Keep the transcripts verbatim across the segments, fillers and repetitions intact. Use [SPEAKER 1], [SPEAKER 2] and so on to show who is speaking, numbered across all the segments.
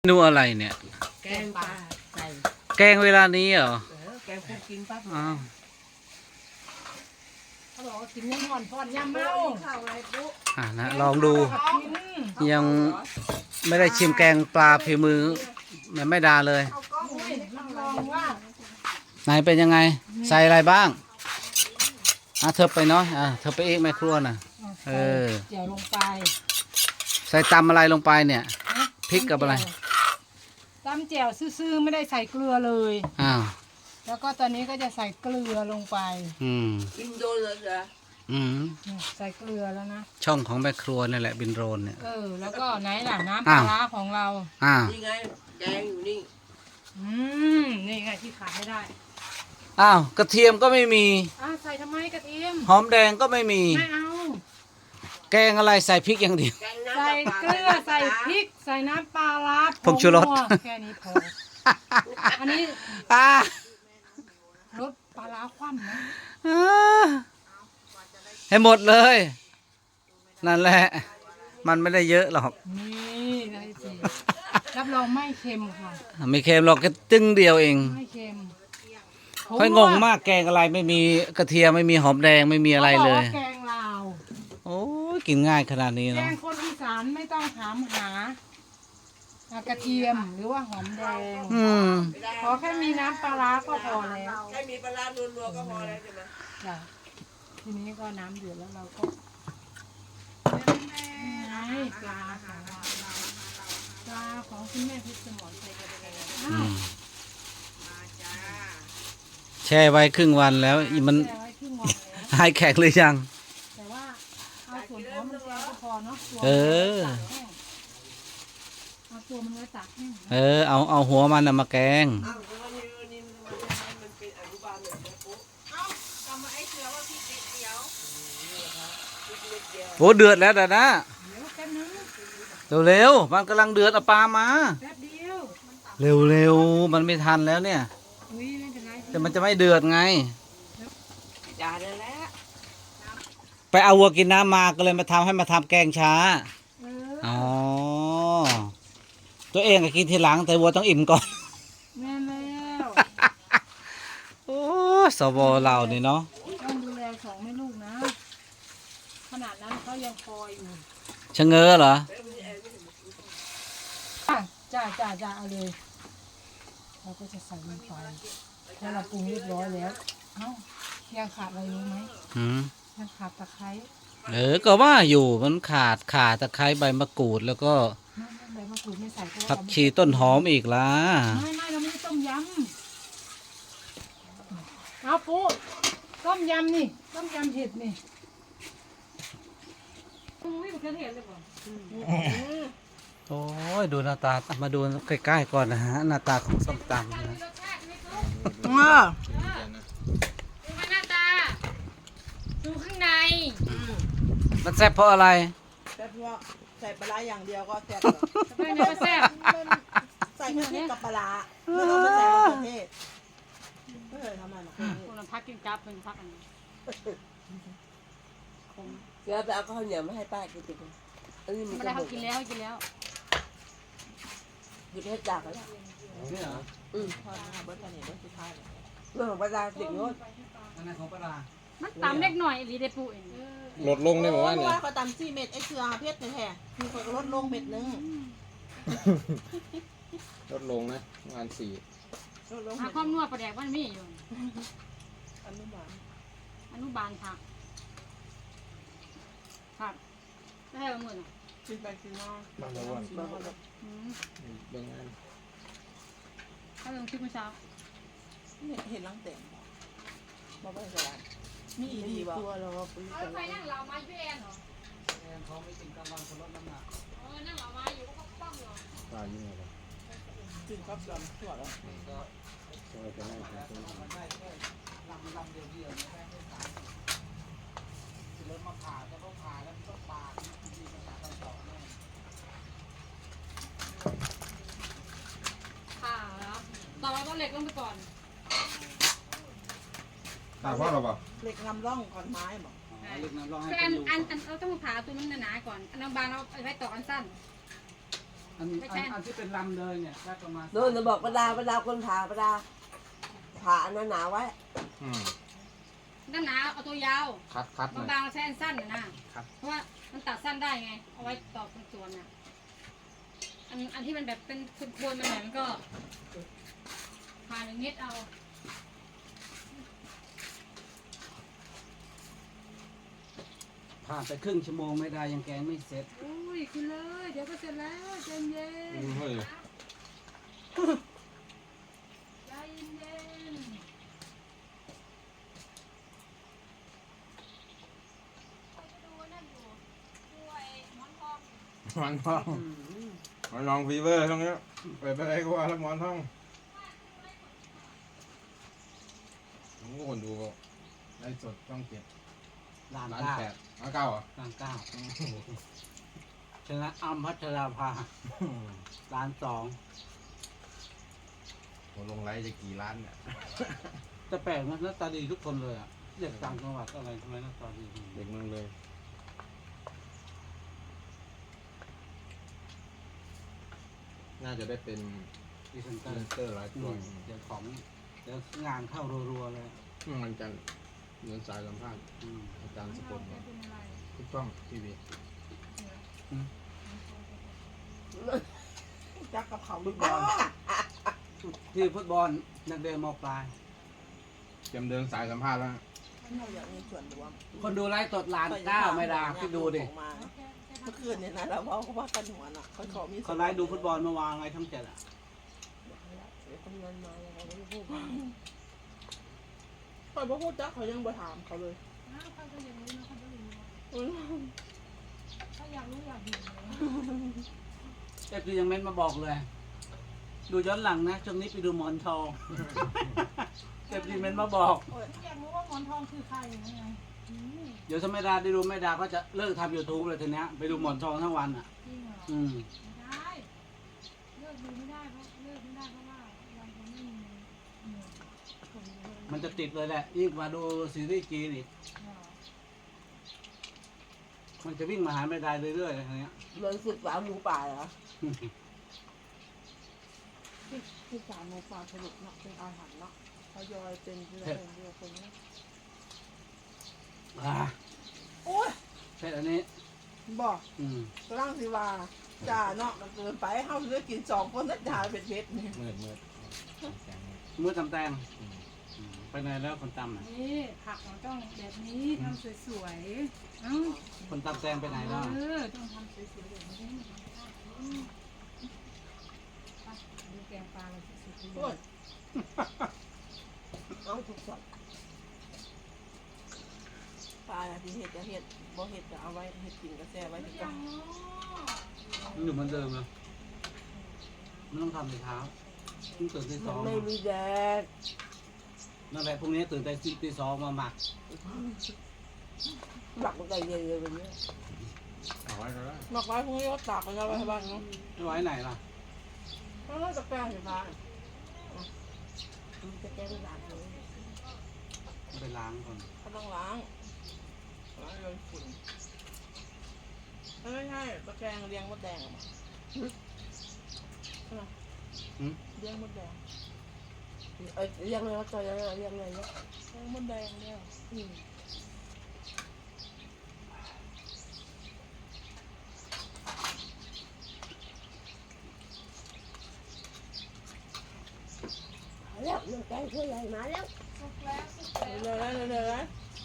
[SPEAKER 1] นูอะไรเนี่ย
[SPEAKER 2] แกงปลาใส่
[SPEAKER 1] แกงเวลานี้เหรอ
[SPEAKER 2] แกงคุกกินปั๊บ
[SPEAKER 1] อ้าว
[SPEAKER 2] เขาบอกว่ากินยำห่อนพอนยำเมาข้าวอะไรปุ๊
[SPEAKER 1] อ่านะลองดูยังไม่ได้ชิมแกงปลาฝีมือแม่ไม่ดาเลย
[SPEAKER 2] ลองว่า
[SPEAKER 1] ไหนเป็นยังไงใส่อะไรบ้างอ่ะเธอไปเนาะอ่ะเธอไปเองแม่ครัวน่ะเออ
[SPEAKER 2] เจียวลงไป
[SPEAKER 1] ใส่ตำอะไรลงไปเนี่ยพริกกับอะไร
[SPEAKER 2] ตำเจียวซื่อๆไม่ได้ใส่เกลือเลย
[SPEAKER 1] อ้าว
[SPEAKER 2] แล้วก็ตอนนี้ก็จะใส่เกลือลงไป
[SPEAKER 1] อืม
[SPEAKER 3] บินโดนเลยเหรอ
[SPEAKER 1] อืม
[SPEAKER 2] ใส่เกลือแล้วนะ
[SPEAKER 1] ช่องของแม่ครัวนี่แหละบินโรนเนี่ย
[SPEAKER 2] เออแล้วก็ไหนล่ะน้ำปลาร้าของเรา
[SPEAKER 1] อ่า
[SPEAKER 3] นี่ไงแกงอยู่นี่
[SPEAKER 2] อืมนี่ไงที่ขาดไม่ได้
[SPEAKER 1] อ้าวกระเทียมก็ไม่มี
[SPEAKER 2] อ่าใส่ทำไมกระเทียม
[SPEAKER 1] หอมแดงก็ไม่มี
[SPEAKER 2] ไม่เอา
[SPEAKER 1] แกงอะไรใส่พริกอย่างเดียว
[SPEAKER 2] ใส่เกลือใส่พริกใส่น้ำปลาร้า
[SPEAKER 1] ผงชูรส
[SPEAKER 2] แค่นี้พออันนี้
[SPEAKER 1] อ่
[SPEAKER 2] รสปลาร้าคว่ำนะ
[SPEAKER 1] ให้หมดเลยนั่นแหละมันไม่ได้เยอะหรอก
[SPEAKER 2] นี่ได้สิรับรองไม่เค็มค่ะ
[SPEAKER 1] ไม่เค็มหรอกแค่ตึ้งเดียวเอง
[SPEAKER 2] ไม่เค็ม
[SPEAKER 1] ค่อยงงมากแกงอะไรไม่มีกระเทียมไม่มีหอมแดงไม่มีอะไรเลย
[SPEAKER 2] แกงลาว
[SPEAKER 1] โอ้ยกินง่ายขนาดนี้
[SPEAKER 2] แก
[SPEAKER 1] เนาะ
[SPEAKER 2] งคนอีสานไม่ต้องถามหากระเทียมหรือว่าหอมแดงขอแค่มีน้ำปลาร้าก็พอแล้ว
[SPEAKER 3] แค่มีปลาลัวๆก็พอแล้วใช่ไหม
[SPEAKER 2] จ้ะทีนี้ก็น้ำเดือดแล้วเราก็ไงปลาของเราปลาของคุณแม่พิษสมรใส่กระเทียม
[SPEAKER 1] แช่ไว้ครึ่งวันแล้วมันหายแข็งหรือยัง
[SPEAKER 2] แต่ว่าเอาส่วนหัวมันแกงก็พอเนาะ
[SPEAKER 1] เออ
[SPEAKER 2] เอาตัวมันไว้ตัก
[SPEAKER 1] เออเอาเอาหัวมันน่ะมาแกงโอ้เดือดแล้วแต่นะเร็วๆมันกำลังเดือดเอาปลามาเร็วๆมันไม่ทันแล้วเนี่ยแต่มันจะไม่เดือดไง
[SPEAKER 3] อย่าเลยแหละ
[SPEAKER 1] ไปเอาวัวกินน้ำมาก็เลยมาทำให้มาทำแกงช้าอ๋อตัวเองก็กินทีหลังแต่วัวต้องอิ่มก่อน
[SPEAKER 2] แม่แล้ว
[SPEAKER 1] โอ้สวเรานี่เนาะ
[SPEAKER 2] ต้องดูแลสองแม่ลูกนะขนาดนั้นเขายังคอยอยู่
[SPEAKER 1] ชะเง้อเหรอ
[SPEAKER 2] จ้าจ้าจ้าเอาเลยเราก็จะใส่ลงไปแล้วเราปรุงเรียบร้อยแล้วเอ้ายังขาดอะไรรู้ไหมยังขาดตะไคร้
[SPEAKER 1] เออก็ว่าอยู่มันขาดขาดตะไคร้ใบมะกรูดแล้วก็
[SPEAKER 2] ใบมะกรูดไม่ใส่
[SPEAKER 1] ผักชีต้นหอมอีกล่ะ
[SPEAKER 2] ไม่ไม่เราไม่ได้ต้มยำเอาปูต้มยำนี่ต้มยำเห็ดนี่ไม่เป็นเห็ดเลยป่ะ
[SPEAKER 1] โอ้ยดูหน้าตามาดูใกล้ๆก่อนนะฮะหน้าตาของส้มตำนะ
[SPEAKER 2] เออดูหน้าตาดูข้างใน
[SPEAKER 1] มันแซ่บเพราะอะไร
[SPEAKER 3] แซ่บเพราะใส่ปลาอย่างเดียวก็แซ่บ
[SPEAKER 2] ไม่ไม่แซ่บ
[SPEAKER 3] ใส่แค่นี้กับปลาไม่ต้องไปใส่มะเขือเทศไม่เคยทำอะไรหรอก
[SPEAKER 2] คนละพักกินกราฟเป็นพักอันนี้
[SPEAKER 3] เดี๋ยวไปเอาข้าวเหนียวมาให้ป้ากินกิน
[SPEAKER 2] ไม่ได้เขากินแล้วกินแล้ว
[SPEAKER 3] หยุดให้จากแล้ว
[SPEAKER 1] นี่เหรอ
[SPEAKER 3] อืมพอมาเบิร์ตอนนี้เบิร์ตสุดท้ายเรื่องของปลาติ่งโน้ต
[SPEAKER 1] อันนั้นของปลา
[SPEAKER 2] มันตำเล็กหน่อยหรือได้ปูเอง
[SPEAKER 4] ลดลงได้ไหมว่าเนี่ย
[SPEAKER 3] เขาตำสี่เม็ดไอ้เชือเพชรแท้ๆมีคนก็ลดลงเม็ดนึง
[SPEAKER 4] ลดลงนะประมาณสี่
[SPEAKER 2] หาความนัวประแดกมันมีอยู่
[SPEAKER 3] อนุบาล
[SPEAKER 2] อนุบาลค่ะค่ะได้ละหมื่น
[SPEAKER 3] กินไปกินมา
[SPEAKER 4] บางวันบางงาน
[SPEAKER 2] ถ้าลงคลิปเมื่อเช้า
[SPEAKER 3] เห็นรังเต็มบอกว่าจะได้มีอีดีตัวเราปืน
[SPEAKER 2] ใครนั่งเหล่าไม้พี่แอนเหรอ
[SPEAKER 1] แอนเขาไม่กินกลางวันเขาลดน้ำหนัก
[SPEAKER 2] เออนั่งเหล่าไม้อยู่ก็ป้องเหรอ
[SPEAKER 4] ตายยังไงล่ะ
[SPEAKER 3] กินครับลำตัวแล้ว
[SPEAKER 4] ก็จะไม่ใช่
[SPEAKER 1] ลำลำเดียวเดียวไม่ได้ไม่ขาดรถมาผ่าจะต้องผ่าแล้วต้องปาดที่ภาษาต่างต่อแน่
[SPEAKER 2] ผ่าแล้วต่อไปต้องเหล็กลงไปก่อน
[SPEAKER 4] ตาพ่อเราเปล่า
[SPEAKER 3] เหล็กนำร่องก่อนไม้บอก
[SPEAKER 1] เหล็กนำร่องให้
[SPEAKER 2] อันอันอันเราต้องผ่าตัวนั้นหนาๆก่อนอันบางเราไปต่ออันสั้น
[SPEAKER 1] อันอันอันที่เป็นลำเลยเนี่ยได้ประมาณ
[SPEAKER 5] โดนจะบอกประดาประดาคนผ่าประดาผ่าอันนั้นหนาไว้
[SPEAKER 4] อืม
[SPEAKER 6] ด้านหนาเอาตัวยาว
[SPEAKER 4] คัดคัดหน่อย
[SPEAKER 6] บางๆเราใช้อันสั้นนะนะเพราะว่ามันตัดสั้นได้ไง เอาไว้ต่อเป็นส่วนน่ะอันอันที่มันแบบเป็นโคนๆมันแบบมันก็ผ่าหนึ่งเม็ดเอา
[SPEAKER 1] ผ่านไปครึ่งชั่วโมงไม่ได้ยังแกงไม่เสร็จ
[SPEAKER 2] อุ้ยกินเลยเดี๋ยวก็เสร็จแล้วใจเย็น
[SPEAKER 4] อืมเฮ้ย
[SPEAKER 2] ใจเย็น
[SPEAKER 4] หมอนทองหมอนทองฟีเวอร์ตรงนี้เปิดไปอะไรก็ว่าแล้วหมอนทองผมก็คนดูไลฟ์สดช่องเจ็ด
[SPEAKER 1] ร้าน
[SPEAKER 4] ร้าน
[SPEAKER 1] เก้า
[SPEAKER 4] แปดร้านเก้าเหรอ่ะ
[SPEAKER 1] ร้านเก้าชนะอัมพัชราภาร้านสอง
[SPEAKER 4] ผมลงไลฟ์จะกี่ล้านเนี่ย
[SPEAKER 1] แต่แปลกนะหน้าตาดีทุกคนเลยอ่ะเด็กต่างจังหวัดอะไรทำไมหน้าตาดี
[SPEAKER 4] เด็กเมืองเลย น่าจะได้เป็น
[SPEAKER 1] ดีเซน
[SPEAKER 4] พ
[SPEAKER 1] เต
[SPEAKER 4] รี
[SPEAKER 1] อ
[SPEAKER 4] เซ
[SPEAKER 1] ร์
[SPEAKER 4] นเตอร์หลายตัว
[SPEAKER 1] เดี๋ยวของเดี๋ยวงานเข้ารัวๆเลย
[SPEAKER 4] อืมมันจะเงินสายสัมภาษณ์
[SPEAKER 1] อืม
[SPEAKER 4] อาจารย์สกล
[SPEAKER 2] แกเป็นอะไร
[SPEAKER 4] ทุกช่องทีวี
[SPEAKER 3] จักกับเขา
[SPEAKER 1] ฟุตบอลที่ฟุตบอลนักเรียนมปลาย
[SPEAKER 4] เตรียมเดินสายสัมภาษณ์แล้ว
[SPEAKER 3] เราอยากมีส่วนรวม
[SPEAKER 1] คนดูไลฟ์สดล้านเก้าไม่ดาพี่ดูดิ
[SPEAKER 3] เมื่อคืนเนี่ยนะเราว่าเขาว่ากันหัวน่ะเขาขอมี
[SPEAKER 1] เขาไลฟ์ดูฟุตบอลเมื่อวานไงทั้งเจ็ดอ่ะ
[SPEAKER 5] เดี๋ยวคนนั้นมายังไงไม่รู้พูด
[SPEAKER 3] คอยบ่พูดจักเขายังบ่ถามเขาเลย
[SPEAKER 2] อ้าวเขาก็อยากรู้นะเขาจะรู้นะ
[SPEAKER 3] อืม
[SPEAKER 2] ถ้าอยากรู้อยากเห็นเลย
[SPEAKER 1] เอฟซียังเม้นมาบอกเลย ดูย้อนหลังนะช่วงนี้ไปดูหมอนทอง เอฟซีเม้นมาบอก
[SPEAKER 2] อยากรู้ว่าหมอนทองคือใครยังไงอืม
[SPEAKER 1] เดี๋ยวถ้าไม่ได้ได้ดูไม่ได้ก็จะเลิกทำยูทูบเลยทีเนี้ยไปดูหมอนทองทั้งวันอ่ะ
[SPEAKER 2] จริงเหรอ
[SPEAKER 1] อืม
[SPEAKER 2] ไม่ได้เลิกดูไม่ได้เพราะเลิกไม่ได้เพราะว่าเราจะไม่มีเงิน
[SPEAKER 1] มันจะติดเลยแหละยิ่งกว่าดูซีรีส์จีนอีก
[SPEAKER 2] เหรอ
[SPEAKER 1] มันจะวิ่งมาหาไม่ได้เรื่อยๆอะไรเงี้ย
[SPEAKER 5] เลยศึกษาหมูป่าเหรอ
[SPEAKER 3] ที่ที่สารโมฟาสรุปเนาะเป็นอาหารเนาะเขายอยเป็นเรื่องเดียวคนนี้
[SPEAKER 1] อ่า
[SPEAKER 3] โอ้ย
[SPEAKER 1] เสร็จอันนี้
[SPEAKER 3] บอก
[SPEAKER 1] อืม
[SPEAKER 3] กำลังสิว่าจ่าเนาะมันเกินไปเฮาเลยกินสองคนแล้วจ่าเป็นเพชรนี่
[SPEAKER 4] มืดมืดแสงมืด
[SPEAKER 1] มือตำแตง
[SPEAKER 4] อืม
[SPEAKER 1] อืมไปไหนแล้วคนตำอ่ะ
[SPEAKER 2] นี่ผักมันต้องแบบนี้ทำสวยๆเอ้า
[SPEAKER 1] คนตำแตงไปไหนแล้ว
[SPEAKER 2] เออต้องทำสวยๆแบบนี้อืมไปดูแกงปลาเราที่สุด
[SPEAKER 3] โอ้ย
[SPEAKER 5] เอาทุกคน
[SPEAKER 3] ปลาที่เห็ดจะเห็ดบ่เห็ดจะเอาไว้เห็ดกินกระแซ่ไว้ที่
[SPEAKER 2] อ
[SPEAKER 3] กั
[SPEAKER 2] ย่าน งน้อ
[SPEAKER 1] มันอยู่เหมือนเดิมเลยมันต้องทำในเช้าต้องตื่นที่ส
[SPEAKER 5] มั
[SPEAKER 1] อน ง
[SPEAKER 5] ไม่มีแดด
[SPEAKER 1] นั่นแหละพรุ่งนี้ตื่นแต่ตีสองมาหมัก
[SPEAKER 5] หมักมันใจเย็นเลยวันนี้
[SPEAKER 4] เอาไว้ก็ได้
[SPEAKER 3] หมักไว้พรุ่งนี้ก็ตากไปแล้วไว้ให้บ้านเนาะ
[SPEAKER 1] ไม่ไว้ไหนล่ะ
[SPEAKER 3] แล้วเราจะแป้งสิพา
[SPEAKER 5] มันจะแก้ไม่หลับเลย
[SPEAKER 1] ไปล้างก่อน
[SPEAKER 3] เขาต้องล้างล้างโดนฝุ่นไม่ใช่ตะแกรงเลี้ยงมดแดงออกมาใช่ไหม
[SPEAKER 1] หืม
[SPEAKER 3] เลี้ยงมดแดง
[SPEAKER 5] เอ้ยยังไงวะจอยยังไงยังไงเนี่ย
[SPEAKER 3] เลี้ยงมดแดงเนี่ย
[SPEAKER 5] อืมมาแล้วน้องแกงช่วยใหญ่มาแล้ว
[SPEAKER 2] สุกแล้วสุกแล้ว
[SPEAKER 3] เดี๋ยวนะเดี๋ยวนะ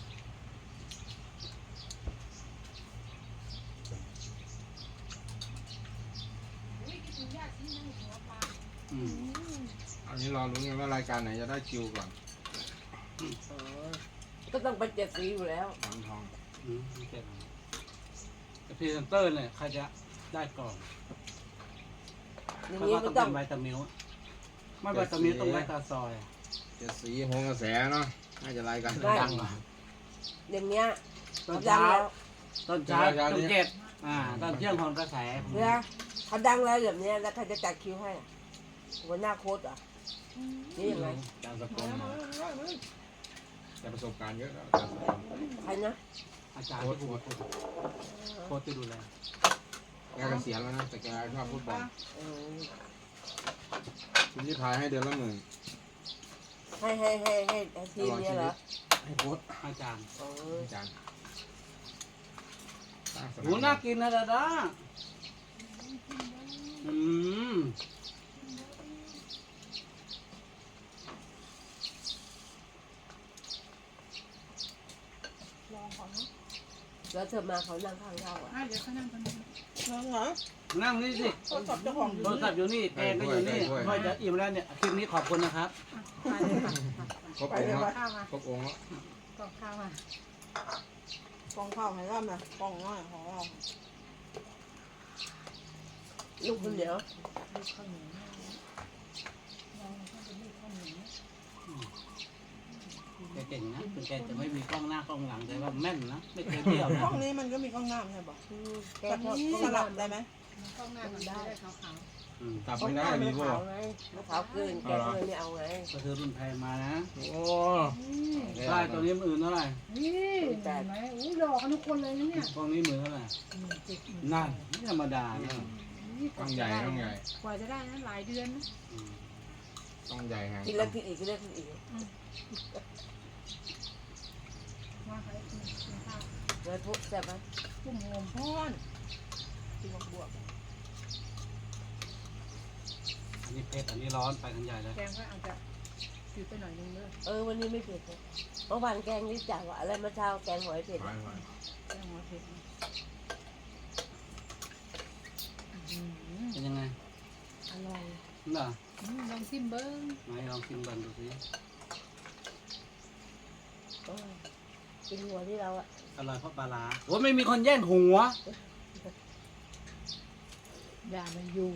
[SPEAKER 2] อุ้ยกินถึงยากที่นั่งหัวปลา
[SPEAKER 1] อืม
[SPEAKER 4] อันนี้รอรุ้นกันว่ารายการไหนจะได้คิวก่อน
[SPEAKER 5] อ๋อก็ต้องไปเจ็ดสีอยู่แล้ว
[SPEAKER 4] หมอนทอง
[SPEAKER 1] อืมไม่เจ็บแต่พรีเซนเตอร์เนี่ยใครจะได้ก่อน
[SPEAKER 5] อย่าง
[SPEAKER 1] เพราะ
[SPEAKER 5] นี้
[SPEAKER 1] ว่า
[SPEAKER 5] มั
[SPEAKER 1] ต้อน ง
[SPEAKER 5] ต้
[SPEAKER 1] เป็
[SPEAKER 5] อง
[SPEAKER 1] นไวตามิลไม่ไวตามิลต้องไวตาซอย
[SPEAKER 4] เจ็ดสีโหงกระแสเนาะน่าจะรายการดังกว่า
[SPEAKER 5] อย่างเงี้ย
[SPEAKER 1] ตอน
[SPEAKER 5] ดัง
[SPEAKER 1] เช้า
[SPEAKER 5] แล้ว
[SPEAKER 1] ตอนเช้า
[SPEAKER 4] เช้า
[SPEAKER 1] ตอน
[SPEAKER 4] นี้
[SPEAKER 1] เจ็ดอ่าตอนเที่ยงของกระแส
[SPEAKER 5] เนี่ยเขาดังแล้วแบบเนี้ยแล้วใครจะจัดคิวให้อ่ะหัวหน้าโค้ดอ่ะนี่ยังไง
[SPEAKER 4] อาจารย์สกลมาแต่ประสบการณ์เยอะแล้วอาจารย์สกล
[SPEAKER 5] ใครนะ
[SPEAKER 1] อาจารย์ที่ดูโค้ชที่ดูแล
[SPEAKER 4] แกเกษียณแล้วนะแต่แกชอบฟุตบอล
[SPEAKER 5] เออ
[SPEAKER 4] คุณที่พายให้เดือนละหมื่น
[SPEAKER 5] ให้ให้ให้ให้ให้ทีมเนี้ยเหรอ
[SPEAKER 4] ให้โค้ช
[SPEAKER 1] อาจารย์
[SPEAKER 5] เออ
[SPEAKER 4] อาจารย์สร้างส
[SPEAKER 1] หมูน่ากินนะดาดาอืม
[SPEAKER 3] ลองก่อนเนาะ
[SPEAKER 5] แล้วเธอมาเขานั่งข้างเราอ่ะ
[SPEAKER 2] อ่ะเดี๋ยวเขานั่งตรงนี้
[SPEAKER 3] ลองเหรอ
[SPEAKER 1] นั่งนี่สิ
[SPEAKER 3] โทรศัพท์เจ้าของอยู่
[SPEAKER 1] โทรศัพท์อยู่นี่แกงก็อยู่นี่ค่อยจะอิ่มแล้วเนี่ย คลิปนี้ขอบคุณนะครับ
[SPEAKER 2] ไปเลยค่ะ
[SPEAKER 4] ครบองค์แล้ว
[SPEAKER 2] ข้าวมา
[SPEAKER 4] ครบองค์แล้ว
[SPEAKER 2] กล่องข้าวมาก
[SPEAKER 3] องข้าวให้ร่ำนะกองน้อยของเรา
[SPEAKER 5] ลูกคนเดียว
[SPEAKER 2] ลูกข้าวเหนียวลองข้าวเป็นลูกข้าวเหนียว
[SPEAKER 1] แกเก่งนะถึงแกจะไม่มีกล้องหน้ากล้องหลังแต่ว่าแม่นนะ ไม่เคยเบี้ยวนะ
[SPEAKER 3] ห้องนี้มันก็มีกล้องหน้าใช่ปะ
[SPEAKER 5] อืมแก
[SPEAKER 3] แบบ
[SPEAKER 5] ชอบ
[SPEAKER 3] นี้สลับได้ไหม
[SPEAKER 2] กล้องหน้ามันจะได้ขาว
[SPEAKER 1] อืม
[SPEAKER 4] กลับ
[SPEAKER 5] เขา
[SPEAKER 4] ไม่ได้
[SPEAKER 5] ไม่
[SPEAKER 4] วี
[SPEAKER 5] ได้
[SPEAKER 4] โว
[SPEAKER 5] ขาวไงมันขาวเกินแกก็เลยไม่เอาไง
[SPEAKER 1] ก็คือรุ่นแพงมานะ
[SPEAKER 4] โอ้
[SPEAKER 1] ใช่ตัวนี้มันอื่นเท่าไหร่
[SPEAKER 2] ๆนี่เห็นไหมอุ้ยหลอกกันทุกคนเลยนะเนี่ย
[SPEAKER 1] กล้องนี้หมื่นเท่าไหร่
[SPEAKER 2] หมื่นเจ็ดหมื่น
[SPEAKER 1] นั่นไม่ธรรมดานะ
[SPEAKER 2] นี่
[SPEAKER 4] ต้องใหญ่ต้องใหญ่
[SPEAKER 2] กว่าจะได้นะหลายเดือนนะ
[SPEAKER 1] อืม
[SPEAKER 4] ต้องใหญ่ไง
[SPEAKER 5] กินแล้วกินอีกกินแล้วกินอีก
[SPEAKER 2] ว่าใครกินกินข้าว
[SPEAKER 5] แล้วพวกแซ่บไหม
[SPEAKER 2] กุ้งงม
[SPEAKER 3] พ่อนกินบวกบวก
[SPEAKER 1] อันนี้เผ็ดอันนี้ร้อนไปกันใหญ่เลย
[SPEAKER 2] แกงก็อาจจะจืดไปหน่อยนึงเด้อ
[SPEAKER 5] เออวันนี้ไม่เผ็ดเลยเมื่อวานแกงนี่จ่าว่าอะไรเมื่อเช้าแกงหอยเผ็ด
[SPEAKER 4] ไปไป
[SPEAKER 2] แกงหัวเผ็ดนะอื้อหือ
[SPEAKER 1] เป็นยังไง
[SPEAKER 2] อร่อย
[SPEAKER 1] นี่เหรอ
[SPEAKER 2] อืมลองชิมเบิ้ง
[SPEAKER 1] ไหนลองชิมกันดูสิ
[SPEAKER 5] เออกินหัวที่เราอ่ะ
[SPEAKER 1] อร่อยเพราะปลาร้าโอ้ยไม่มีคนแย่งหัว
[SPEAKER 2] อย่ามันอยู่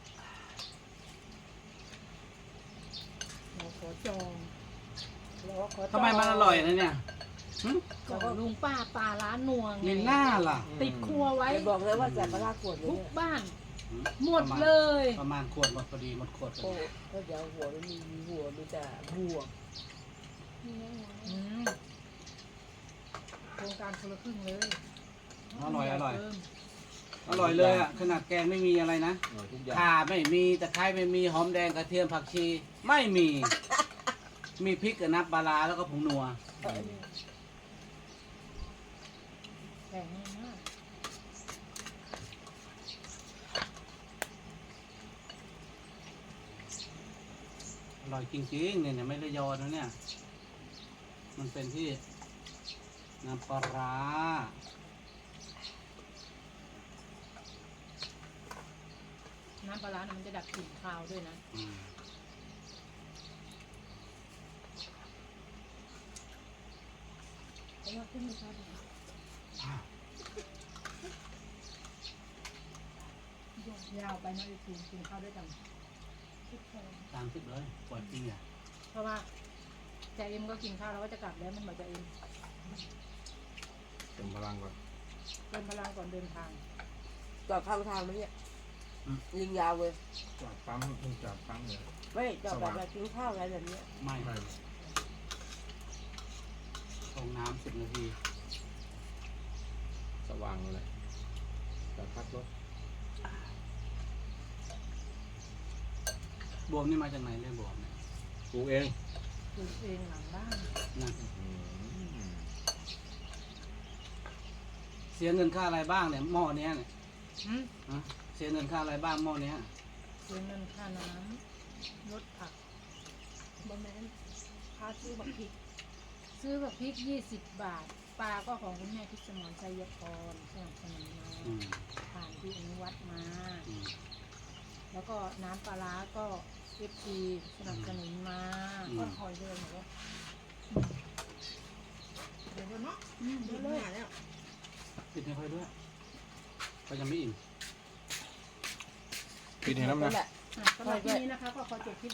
[SPEAKER 2] เราขอจอง
[SPEAKER 5] เราก็ขอ
[SPEAKER 1] ทำไมมันอร่อยนะเนี่ยหึ
[SPEAKER 2] ก็ลุงป้าปลาร้านนัวไง
[SPEAKER 1] มีหน้าล่ะ
[SPEAKER 2] ติดครัวไว้
[SPEAKER 5] ไปบอกเลยว่าแซ่บปลาร้าขวดเลย
[SPEAKER 2] ทุก
[SPEAKER 5] เนี่ย
[SPEAKER 2] บ้าน
[SPEAKER 1] หึ
[SPEAKER 2] หมดเลย
[SPEAKER 1] ประมาณขวดหมดพอดีหมดขวดพอ
[SPEAKER 5] โอ้
[SPEAKER 1] ดี
[SPEAKER 5] ก็เดี๋ยวหัวมันมีมีหัวมีแต่บัว
[SPEAKER 2] อืมโครงการคนละครึ่งเลย
[SPEAKER 1] อร่อยอร่อย
[SPEAKER 2] เพิ่ม
[SPEAKER 1] อร่อยเลยอ่ะขนาดแกงไม่มีอะไรนะ
[SPEAKER 4] อร่อยทุกอย่าง
[SPEAKER 1] ข่าไม่มีตะไคร้ไม่มีหอมแดงกระเทียมผักชีไม่มี มีพริกกับน้ำปลาร้าแล้วก็ผงนัว
[SPEAKER 2] แพงมาก
[SPEAKER 1] อร่อยจริงๆเนี่ยเนี่ยไม่ได้ยอนะเนี่ย มันเป็นที่น้ำปลาร้า
[SPEAKER 2] น้ำปลาร้าเนี่ยมันจะดับกลิ่นคาวด้วยนะ
[SPEAKER 1] อืม
[SPEAKER 2] แล้วขึ้นมาชอบยาวไปนะไอ้ทีมกินข้าวด้วยกัน
[SPEAKER 1] ตามที่เลยปวดจริงอ่ะ
[SPEAKER 2] เพราะว่าใจเอ็มก็กินข้าวแล้วก็จะกลับแล้วมันบอกใจเอ็ม
[SPEAKER 4] เติมพลังก่อน
[SPEAKER 2] เติมพลังก่อนเดินทาง
[SPEAKER 5] จอดข้างทางไหมเนี่ยยิงยาวเลย
[SPEAKER 4] จอดปั๊มต้องจอดปั๊มเลย
[SPEAKER 5] ไม่จอดแบบแบบกินข้าวอะไรแบบเนี้ย
[SPEAKER 1] ไม่
[SPEAKER 4] ไม่
[SPEAKER 1] ลงน้ำสิบนาที
[SPEAKER 4] สว่างเลยจอดพักรถ
[SPEAKER 1] บวมนี่มาจากไหนเนี่ยบวมเนี่ย
[SPEAKER 4] ปลูกเอง
[SPEAKER 2] ปลูกเองหลังบ้าน
[SPEAKER 1] นะ
[SPEAKER 4] อืม
[SPEAKER 1] เสียเงินค่าอะไรบ้างเนี่ยหม้อเนี้ยเนี่ย
[SPEAKER 2] หืม
[SPEAKER 1] ฮะเสียเงินค่าอะไรบ้างหม้อเนี้ย
[SPEAKER 2] เสียเงินค่าน้ำลดผัก
[SPEAKER 3] บะแมนพาซื้อบักพริก
[SPEAKER 2] ซื้อแบบพริกยี่สิบบาท ปลาก็ของคุณแม่พิสมรชัยพรสนับสนุนมา
[SPEAKER 1] อืม
[SPEAKER 2] ผ่านที่อนุวัตมา
[SPEAKER 1] อืม
[SPEAKER 2] แล้วก็น้ำปลาร้าก็เอฟซีสนับสนุนมา
[SPEAKER 1] อืม
[SPEAKER 2] ก็คอยเดินหนูว่า
[SPEAKER 3] เดี๋ยวเนาะ
[SPEAKER 2] อืม
[SPEAKER 3] เดี๋
[SPEAKER 2] เดิ
[SPEAKER 3] ยวน เล
[SPEAKER 2] เลย ย
[SPEAKER 3] แล้ว
[SPEAKER 1] ปิดให้ค่อยด้วยก็ยังไม่อิ่ม
[SPEAKER 4] ปิดให้น้ำนะ
[SPEAKER 5] นั่นแหละ
[SPEAKER 2] อ่ะสำหรับที่นี้นะคะก็ขอจบคลิป